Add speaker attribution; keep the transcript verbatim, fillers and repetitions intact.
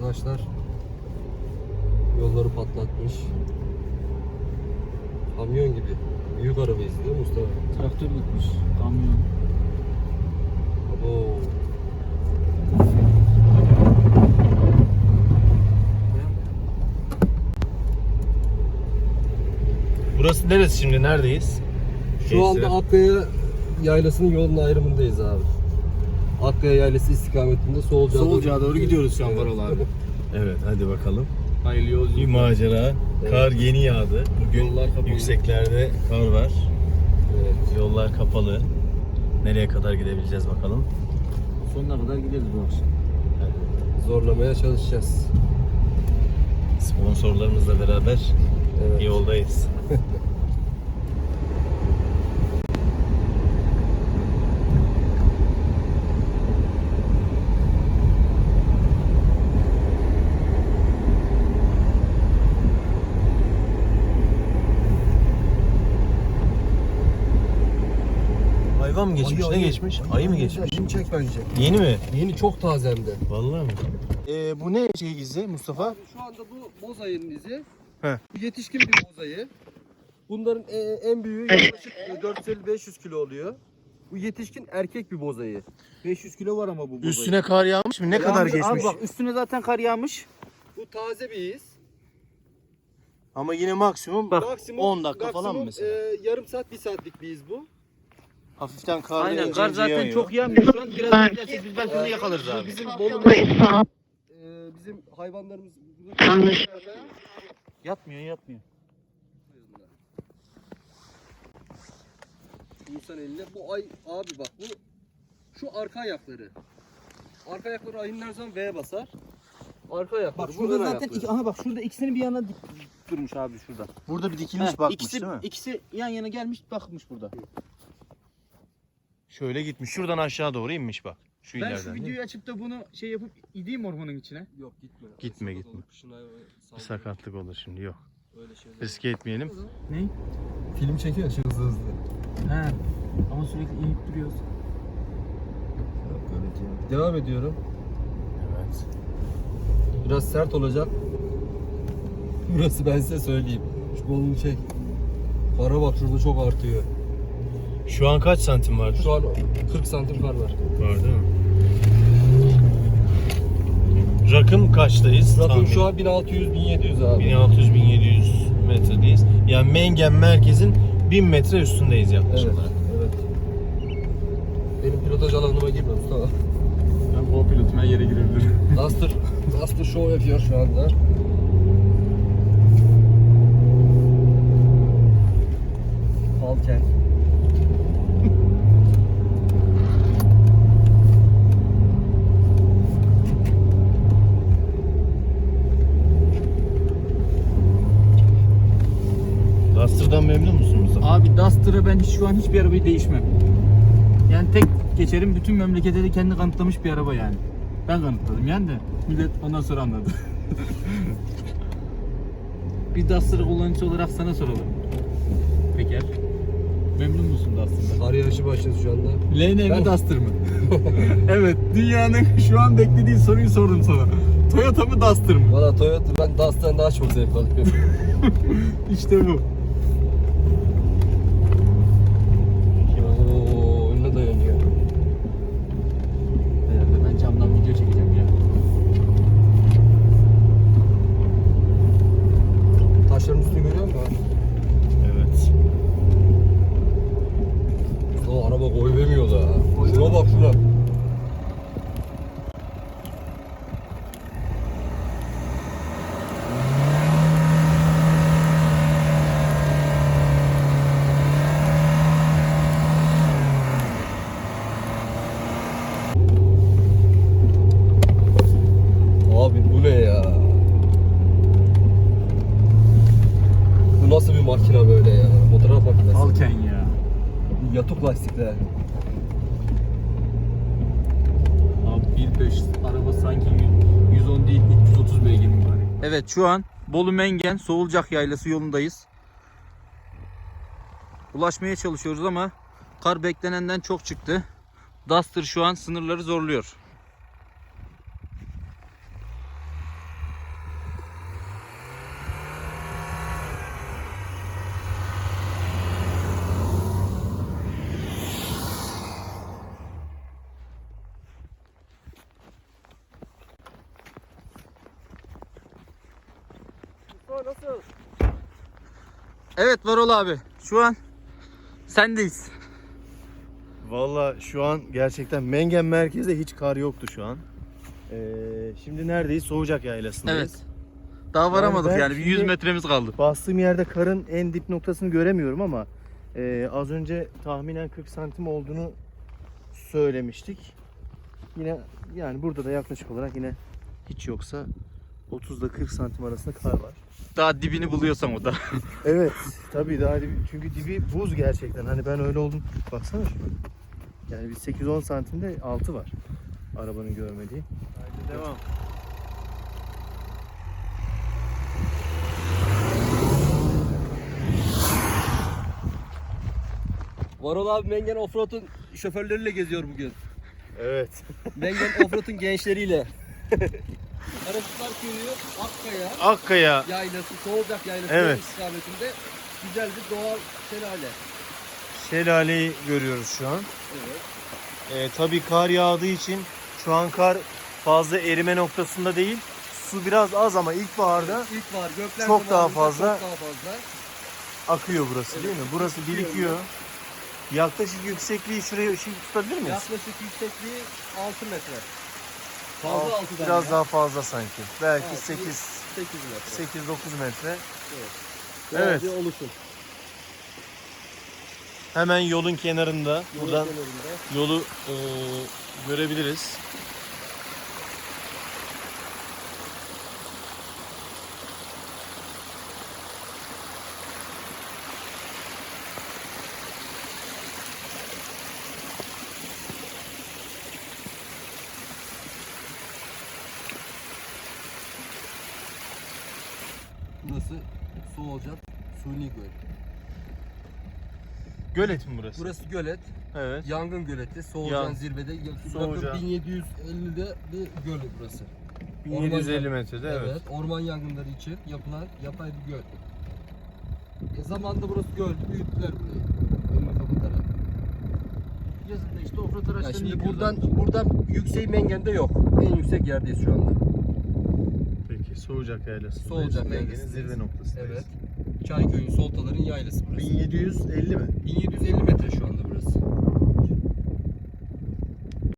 Speaker 1: arkadaşlar yolları patlatmış. Kamyon gibi. Büyük araba izliyor Mustafa.
Speaker 2: Traktör gitmiş. Kamyon.
Speaker 1: Abo.
Speaker 3: Burası neresi şimdi? Neredeyiz?
Speaker 1: Şu anda Akkaya Yaylası'nın yolun ayrımındayız abi. Akkaya Yaylası istikametinde Soğulca'ya
Speaker 2: Soğulca'ya doğru gidiyoruz şu an Varol abi.
Speaker 3: Evet, hadi bakalım.
Speaker 2: Hayırlı yolculuk.
Speaker 3: Bir macera.
Speaker 1: Evet.
Speaker 3: Kar yeni yağdı. Bugün
Speaker 2: Yollar kapalı.
Speaker 3: yükseklerde kar var.
Speaker 1: Evet.
Speaker 3: Yollar kapalı. Nereye kadar gidebileceğiz bakalım.
Speaker 2: Sonuna kadar gideriz bu akşam.
Speaker 1: Zorlamaya çalışacağız.
Speaker 3: Sponsorlarımızla beraber
Speaker 1: Evet.
Speaker 3: yoldayız. Hayvan mı geçmiş?
Speaker 1: Ayı,
Speaker 3: ne
Speaker 1: ayı.
Speaker 3: geçmiş? Ayı mı geçmiş?
Speaker 1: Şimdi çek bence.
Speaker 3: Yeni mi?
Speaker 1: Yeni çok taze hem de.
Speaker 3: Vallahi mi? Ee, bu ne şey izi Mustafa?
Speaker 1: Abi şu anda bu boz ayının izi.
Speaker 3: He.
Speaker 1: Bu yetişkin bir boz ayı. Bunların e, en büyüğü yaklaşık dört yüz elli beş yüz kilo oluyor. Bu yetişkin erkek bir boz ayı.
Speaker 2: beş yüz kilo var ama bu bozayı.
Speaker 3: Üstüne kar yağmış mı? Ne kadar
Speaker 2: Yalnız
Speaker 3: geçmiş?
Speaker 2: Abi bak üstüne zaten kar yağmış.
Speaker 1: Bu taze bir iz.
Speaker 3: Ama yine maksimum
Speaker 2: Bak,
Speaker 1: Maksimum,
Speaker 3: on dakika falan mı
Speaker 1: maksimum,
Speaker 3: mesela?
Speaker 1: e, yarım saat, bir saatlik bir iz bu.
Speaker 3: Hafiften kar
Speaker 2: Aynen
Speaker 3: ince
Speaker 2: kar
Speaker 3: ince
Speaker 2: zaten
Speaker 3: yağıyor.
Speaker 2: çok yağmıyor şu an. Biraz beklersek biz belki onu yakalarız abi.
Speaker 1: Bizim Bolu'nun e, bizim hayvanlarımız
Speaker 2: Yatmıyor yatmıyor.
Speaker 1: İnsan eline bu ay abi bak bu şu arka ayakları. Arka ayakları ayının her zaman V'ye basar. Arka ayakları.
Speaker 2: Bak
Speaker 1: bu
Speaker 2: şurada
Speaker 1: ön
Speaker 2: zaten
Speaker 1: ayakları.
Speaker 2: iki, aha bak şurada ikisini bir yana dik durmuş abi şurada.
Speaker 3: Burada bir dikilmiş
Speaker 2: Heh,
Speaker 3: bakmış
Speaker 2: ikisi,
Speaker 3: değil mi?
Speaker 2: ikisi yan yana gelmiş bakmış burada.
Speaker 3: Şöyle gitmiş. Şuradan aşağı doğru inmiş bak. Şu
Speaker 2: Ben
Speaker 3: ileriden.
Speaker 2: şu
Speaker 3: değil mi?
Speaker 2: videoyu açıp da bunu şey yapıp ideyim ormanın içine.
Speaker 1: Yok gitme.
Speaker 3: Gitme,
Speaker 1: Sakat
Speaker 3: gitme.
Speaker 1: olur, kışın hayvanı
Speaker 3: Bir
Speaker 1: saldırır.
Speaker 3: sakatlık olur şimdi. Yok.
Speaker 1: Öyle şeyler.
Speaker 3: Riske etmeyelim.
Speaker 2: Ne?
Speaker 1: Film çekiyor şu hızlı hızlı.
Speaker 2: He. Ama sürekli inip duruyoruz.
Speaker 1: Devam ediyorum.
Speaker 3: Evet.
Speaker 1: Biraz sert olacak. Burası ben size söyleyeyim. Şu kolunu çek. Kara bak şurada çok artıyor.
Speaker 3: Şu an kaç santim vardır?
Speaker 1: Şu an kırk santim kar var.
Speaker 3: Var değil mi? Rakım kaçtayız?
Speaker 1: Rakım
Speaker 3: Tahmin.
Speaker 1: şu an bin altı yüz bin yedi yüz abi.
Speaker 3: bin altı yüz bin yedi yüz metredeyiz. Yani Mengen merkezin bin metre üstündeyiz yaklaşık
Speaker 1: Evet,
Speaker 3: olarak.
Speaker 1: evet. Benim pilotaj alanıma girme Mustafa.
Speaker 2: Ben co-pilotum her yere girebilirim.
Speaker 1: Duster, Duster show yapıyor şu anda. Falken.
Speaker 3: Duster'dan memnun musun Mustafa?
Speaker 2: Abi Duster'a ben hiç, şu an hiçbir arabayı değişmem. Yani tek geçerim bütün memlekete de kendi kanıtlamış bir araba yani. Ben kanıtladım yani de millet ondan sonra anladı. Bir Duster kullanıcısı olarak sana soralım. Peker. Memnun musun Duster'dan?
Speaker 1: Kar yağışı başladı şu anda.
Speaker 2: L N mi
Speaker 1: Ben-
Speaker 2: Duster mı? Evet, dünyanın şu an beklediği soruyu sordum sana. Toyota mı Duster mı?
Speaker 1: Valla Toyota, ben Duster'dan daha çok zevk alıyorum.
Speaker 2: İşte bu.
Speaker 1: Oo, önüne dayanıyor.
Speaker 2: Herhalde ben camdan video çekeceğim ya.
Speaker 1: Taşların üstünü görüyor musun abi?
Speaker 3: Evet.
Speaker 1: O araba koy vermiyor da. Şuna bak şuna. Abi bu ne ya? Bu nasıl bir makine böyle ya? Fotoğraf makinesi.
Speaker 2: Falken ya.
Speaker 1: Yatuk lastikler.
Speaker 2: Abi bir beş araba sanki yüz on değil üç yüz otuz beygir mi var? Evet şu an Bolu Mengen Soğulcak Yaylası yolundayız. Ulaşmaya çalışıyoruz ama kar beklenenden çok çıktı. Duster şu an sınırları zorluyor.
Speaker 1: nasıl?
Speaker 2: Evet Varol abi. Şu an sendeyiz.
Speaker 3: Valla şu an gerçekten Mengen merkezde hiç kar yoktu şu an. Ee, şimdi neredeyiz? Soğucak Yaylası'ndayız.
Speaker 2: Evet. Daha varamadık
Speaker 3: ben
Speaker 2: yani. Bir yüz
Speaker 3: şimdi-
Speaker 2: metremiz kaldı.
Speaker 3: Bastığım yerde karın en dip noktasını göremiyorum ama e, az önce tahminen kırk santim olduğunu söylemiştik. Yine yani burada da yaklaşık olarak yine hiç yoksa otuzla kırk santim arasında kar var.
Speaker 2: Daha dibini buluyorsan o da.
Speaker 3: Evet tabii daha dibi, çünkü dibi buz gerçekten. Hani ben öyle oldum. Baksana şuna. Yani bir sekiz on santimde altı var. Arabanın görmediği. Haydi devam.
Speaker 1: Varol abi Mengen Offroad'un şoförleriyle geziyor bugün.
Speaker 3: Evet.
Speaker 1: Mengen Offroad'un gençleriyle. Arasılar Köyü, Akkaya
Speaker 3: Akkaya.
Speaker 1: yaylası, Soğucak yaylası
Speaker 3: Evet.
Speaker 1: istikametinde güzel bir doğal şelale.
Speaker 3: Şelaleyi görüyoruz şu an.
Speaker 1: Evet.
Speaker 3: Ee, tabii kar yağdığı için şu an kar fazla erime noktasında değil. Su biraz az ama ilkbaharda
Speaker 1: İlk var gökler
Speaker 3: Çok daha
Speaker 1: zamanında
Speaker 3: fazla.
Speaker 1: Çok daha fazla.
Speaker 3: akıyor burası değil mi? Burası birikiyor. Yaklaşık yüksekliği şuraya ışık tutabilir miyiz?
Speaker 1: Yaklaşık yüksekliği altı metre. Fazla
Speaker 3: Alt-
Speaker 1: altıdan
Speaker 3: Biraz
Speaker 1: ya.
Speaker 3: daha fazla sanki. Belki
Speaker 1: Altı,
Speaker 3: sekiz
Speaker 1: sekiz metre.
Speaker 3: sekiz dokuz metre.
Speaker 1: Doğal
Speaker 3: Evet.
Speaker 1: bir oluşum.
Speaker 3: Hemen yolun kenarında.
Speaker 1: Yolun
Speaker 3: Buradan
Speaker 1: kenarında.
Speaker 3: yolu e, görebiliriz.
Speaker 1: Burası Soğucak Suni Göl.
Speaker 3: Gölet mi burası?
Speaker 1: Burası gölet.
Speaker 3: Evet.
Speaker 1: Yangın göleti. Soğucan
Speaker 3: Yan-
Speaker 1: zirvede. Yaklaşık
Speaker 3: Soğucan.
Speaker 1: bin yedi yüz ellide bir göl burası.
Speaker 3: bin yedi yüz elli
Speaker 1: Orman-
Speaker 3: metrede evet.
Speaker 1: Orman yangınları için yapılan yapay bir göl. E zamanında burası göl. Büyüttüler burayı. Önünü kapatarak.
Speaker 2: Yazın da işte offroad
Speaker 1: Ya
Speaker 2: araçlarını
Speaker 1: şimdi
Speaker 2: yıkıyorlar.
Speaker 1: buradan buradan yükseği Mengen'de yok. En yüksek yerdeyiz şu anda.
Speaker 3: Peki Soğucak Yaylası'ndayız.
Speaker 1: Soğucak
Speaker 3: Mengen'in
Speaker 1: Yaylası'ndayız.
Speaker 3: zirve noktasındayız.
Speaker 1: Evet. Çayköy'ün Soltaların yaylası burası.
Speaker 3: bin yedi yüz elli mi?
Speaker 1: bin yedi